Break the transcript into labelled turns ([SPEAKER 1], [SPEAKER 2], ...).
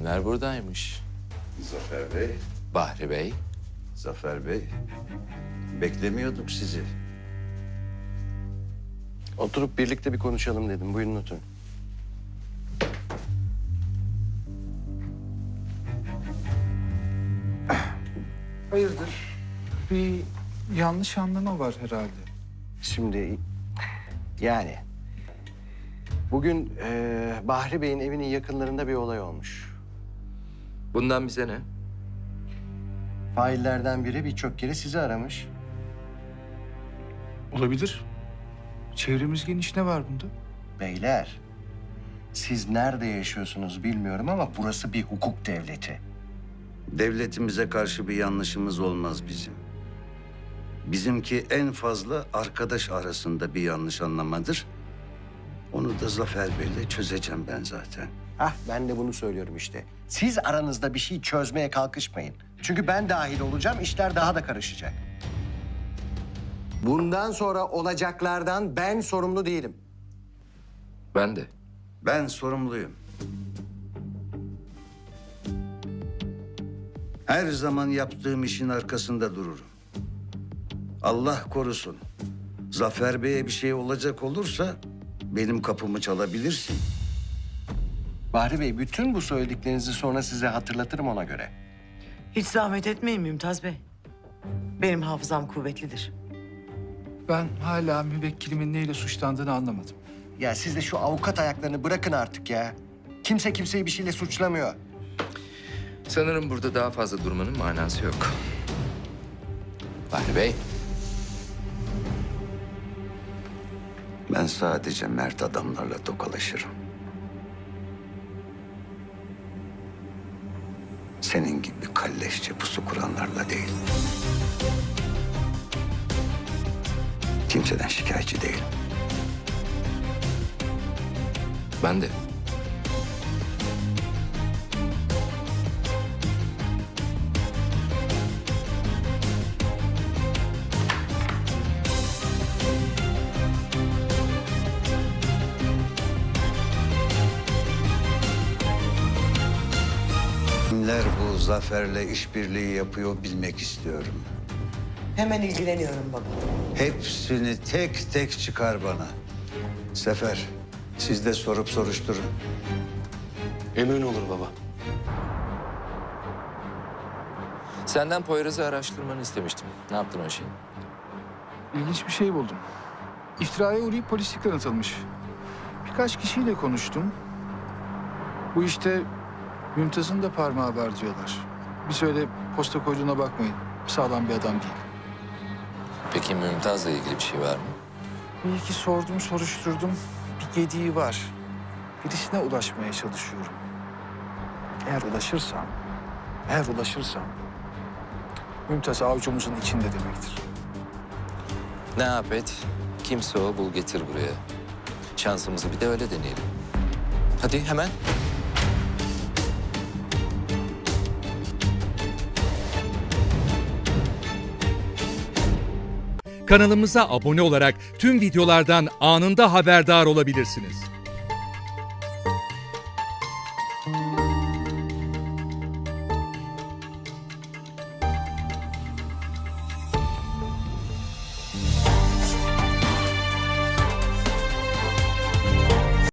[SPEAKER 1] Kimler buradaymış?
[SPEAKER 2] Zafer Bey,
[SPEAKER 1] Bahri Bey.
[SPEAKER 2] Zafer Bey. Beklemiyorduk sizi.
[SPEAKER 3] Oturup birlikte bir konuşalım dedim. Buyurun oturun.
[SPEAKER 4] Hayırdır? Bir yanlış anlama var herhalde.
[SPEAKER 3] Şimdi yani bugün Bahri Bey'in evinin yakınlarında bir olay olmuş.
[SPEAKER 1] Bundan bize ne?
[SPEAKER 3] Faillerden biri birçok kere sizi aramış.
[SPEAKER 4] Olabilir. Çevremiz geniş, ne var bunda?
[SPEAKER 3] Beyler, siz nerede yaşıyorsunuz bilmiyorum ama burası bir hukuk devleti.
[SPEAKER 2] Devletimize karşı bir yanlışımız olmaz bizim. Bizimki en fazla arkadaş arasında bir yanlış anlamadır. Onu da Zafer Bey'le çözeceğim ben zaten.
[SPEAKER 3] Ben de bunu söylüyorum işte. Siz aranızda bir şey çözmeye kalkışmayın. Çünkü ben dahil olacağım, işler daha da karışacak. Bundan sonra olacaklardan ben sorumlu değilim.
[SPEAKER 1] Ben de.
[SPEAKER 2] Ben sorumluyum. Her zaman yaptığım işin arkasında dururum. Allah korusun. Zafer Bey'e bir şey olacak olursa benim kapımı çalabilirsin.
[SPEAKER 3] Bahri Bey, bütün bu söylediklerinizi sonra size hatırlatırım ona göre.
[SPEAKER 5] Hiç zahmet etmeyin Mümtaz Bey. Benim hafızam kuvvetlidir.
[SPEAKER 4] Ben hala müvekkilimin neyle suçlandığını anlamadım.
[SPEAKER 3] Ya siz de şu avukat ayaklarını bırakın artık ya. Kimse kimseyi bir şeyle suçlamıyor.
[SPEAKER 1] Sanırım burada daha fazla durmanın manası yok. Bahri Bey.
[SPEAKER 2] Ben sadece mert adamlarla tokalaşırım. Senin gibi kalleşçe pusu kuranlarla değil. Kimseden şikayetçi değilim.
[SPEAKER 1] Ben de.
[SPEAKER 2] Kimler bu Zafer'le işbirliği yapıyor bilmek istiyorum.
[SPEAKER 5] Hemen ilgileniyorum baba.
[SPEAKER 2] Hepsini tek tek çıkar bana. Sefer, siz de sorup soruşturun.
[SPEAKER 3] Emrin olur baba.
[SPEAKER 1] Senden Poyraz'ı araştırmanı istemiştim. Ne yaptın o şeyi?
[SPEAKER 4] İlginç bir şey buldum. İftiraya uğrayıp polislikten atılmış. Birkaç kişiyle konuştum. Bu işte Mümtaz'ın da parmağı var diyorlar. Bir öyle posta koyduğuna bakmayın. Sağlam bir adam değil.
[SPEAKER 1] Peki Mümtaz'la ilgili bir şey var mı?
[SPEAKER 4] Bir iki sordum, soruşturdum. Bir gediği var. Birisine ulaşmaya çalışıyorum. Eğer ulaşırsam Mümtaz avucumuzun içinde demektir.
[SPEAKER 1] Ne yap et? Kimse o, bul getir buraya. Şansımızı bir de öyle deneyelim. Hadi hemen.
[SPEAKER 6] Kanalımıza abone olarak tüm videolardan anında haberdar olabilirsiniz.